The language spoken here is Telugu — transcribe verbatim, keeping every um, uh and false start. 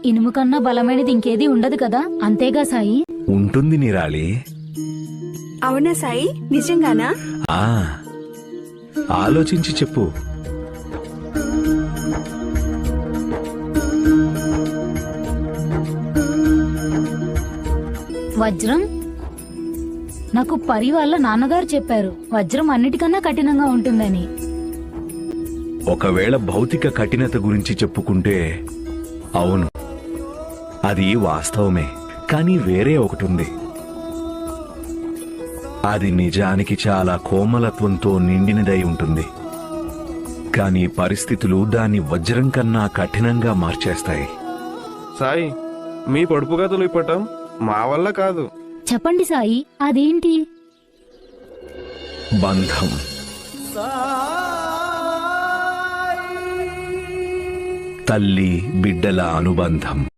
ఇనుము కన్నా బలమైనది ఇంకేది ఉండదు కదా, అంతేగా సాయి? ఉంటుంది నిరాళి. అవునా సాయి, నిజంగానా? ఆ ఆలోచించి చెప్పు. వజ్రం? నాకు పరి వాళ్ళ నాన్నగారు చెప్పారు వజ్రం అన్నిటికన్నా కఠినంగా ఉంటుందని. ఒకవేళ భౌతిక కఠినత గురించి చెప్పుకుంటే అవును, అది వాస్తవమే. కానీ వేరే ఒకటుంది. అది నిజానికి చాలా కోమలత్వంతో నిండినదై ఉంటుంది. కానీ పరిస్థితులు దాన్ని వజ్రం కన్నా కఠినంగా మార్చేస్తాయి. సాయి, మీ పొడుపు కథలు ఇప్పటం మా వల్ల కాదు. చెప్పండి సాయి, అదేంటి? బంధం. తల్లి బిడ్డల అనుబంధం.